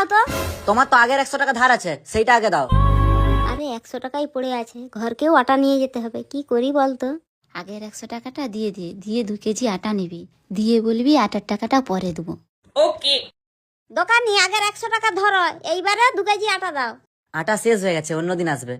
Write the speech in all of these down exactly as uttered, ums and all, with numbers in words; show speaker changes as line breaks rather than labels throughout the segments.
দাও তো।
তোমার তো আগের একশো টাকা ধার আছে, সেইটা আগে দাও।
আরে একশো টাকাই পড়ে আছে, ঘরকেও আটা নিয়ে যেতে হবে, কি করি বলতো।
আগের একশো টাকাটা দিয়ে দিয়ে দিয়ে দু কেজি আটা নিবি, দিয়ে বলবি আটার টাকাটা পরে দেবো।
ওকে।
দোকানি আগের একশো টাকা ধরো, এইবারে দু কেজি আটা দাও।
আটা শেষ হয়ে গেছে, অন্যদিন আসবে।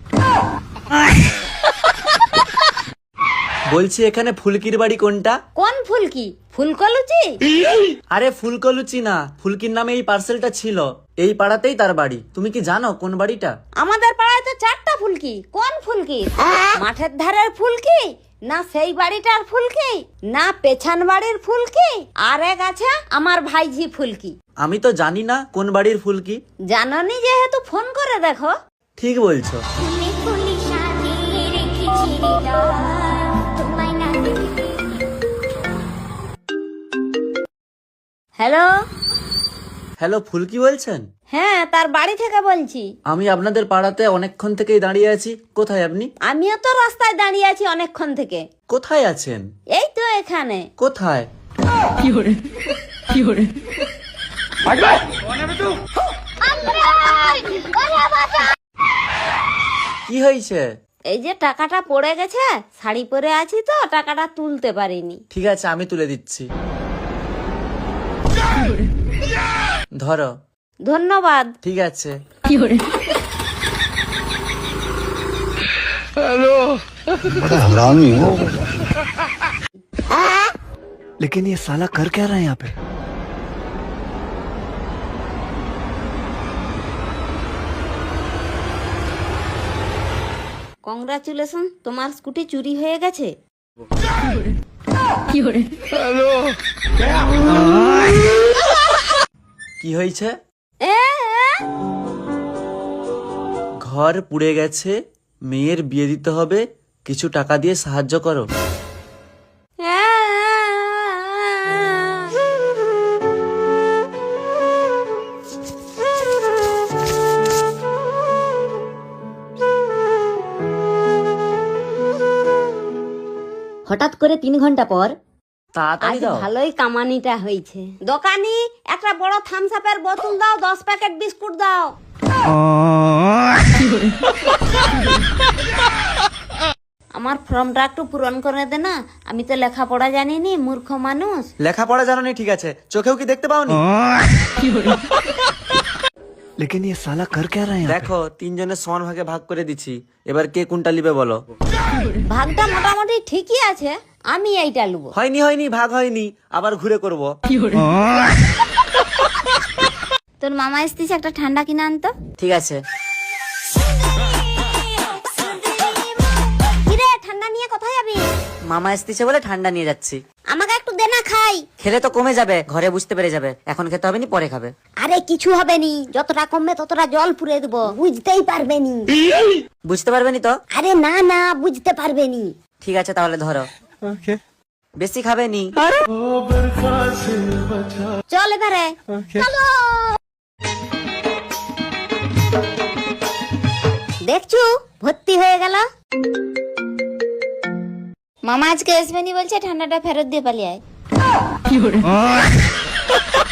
বলছি এখানে ফুলকির বাড়ি কোনটা?
কোন ফুলকি? ফুলকলুচি?
আরে ফুলকলুচি না, ফুলকির নামে এই পার্সেলটা ছিল, এই পাড়াতেই তার বাড়ি। তুমি কি জানো কোন বাড়িটা?
আমাদের পাড়ায় তো চারটা ফুলকি। কোন ফুলকি? মাঠের ধারের ফুলকি, না সেই বাড়িটার ফুলকি, না পেছন বাড়ির ফুলকি, আর এক আছে আমার ভাইঝি ফুলকি।
আমি তো জানি না কোন বাড়ির ফুলকি।
জাননি যেহেতু ফোন করে দেখো।
ঠিক বলছো।
হ্যালো।
হ্যালো, ফুলকি বলছেন?
হ্যাঁ, তার বাড়ি থেকে বলছি।
আমি আপনাদের পাড়াতে অনেকক্ষণ থেকেই দাঁড়িয়ে আছি। কোথায় আপনি?
আমিও তো রাস্তায় দাঁড়িয়ে আছি অনেকক্ষণ থেকে।
কোথায় আছেন?
এই তো এখানে।
কোথায়? কি হয়েছে?
এই যে টাকাটা পড়ে গেছে, শাড়ি পরে আছি তো টাকাটা তুলতে পারিনি।
ঠিক আছে, আমি তুলে দিচ্ছি। ধরো।
ধন্যবাদ।
ঠিক আছে।
हरामी हो। लेकिन ये साला कर क्या रहा है यहाँ पे?
কংগ্রাচুলেশন, তোমার স্কুটি চুরি হয়ে গেছে।
কি হয়েছে?
এ, এ,
ঘর পুড়ে গেছে, মেয়ের বিয়ে দিতে হবে, কিছু টাকা দিয়ে সাহায্য করো।
এ,
হঠাৎ করে তিন ঘন্টা পর
তাড়াতাড়ি
আজ
দাও।
ভালোই কামানিটা হয়েছে। দোকানি একটা বড় থামস আপের বোতল দাও, দশ প্যাকেট বিস্কুট দাও। আমার ফর্মটা একটু পূরণ করে দে না, আমি তো লেখাপড়া জানিনি, মূর্খ মানুষ।
লেখাপড়া জানো নি, ঠিক আছে, চোখেও কি দেখতে পাওনি?
लेकिन ये साला कर क्या रहा है यहाँ पे?
দেখো, তিনজনের সমান ভাগে ভাগ করে দিচ্ছি, এবার কে কোনটা নিবে বলো।
ভাগটা মোটামুটি ঠিকই আছে, আমি এইটা লুবো।
হয়নি হয়নি ভাগ হয়নি, আবার ঘুরে করব।
তোর মামা এসতিস, একটা ঠান্ডা কিনে আনতো।
ঠিক আছে।
কিরে, ঠান্ডা নিয়ে কোথায় যাবি?
মামা এসতেছে বলে ঠান্ডা নিয়ে যাচ্ছি।
আমাকে একটু দে না, খাই।
খেলে তো কমে যাবে, ঘরে বুঝতে পেরে যাবে, এখন খেতে হবে নি, পরে খাবে।
আরে কিছু হবে নি, যতটা কমবে ততটা জল পুরে দেবো, বুঝতেই পারবে নি।
বুঝতে পারবে নি তো?
আরে না না, বুঝতে পারবে নি।
ঠিক আছে, তাহলে ধরো। বেশি খাবে নি।
চল এবারে, চলো। দেখছু, ভর্তি হয়ে গেল।
মামা আজকে আসবেনি বলছে, ঠান্ডাটা ফেরত দিয়ে পালিয়ে আয়।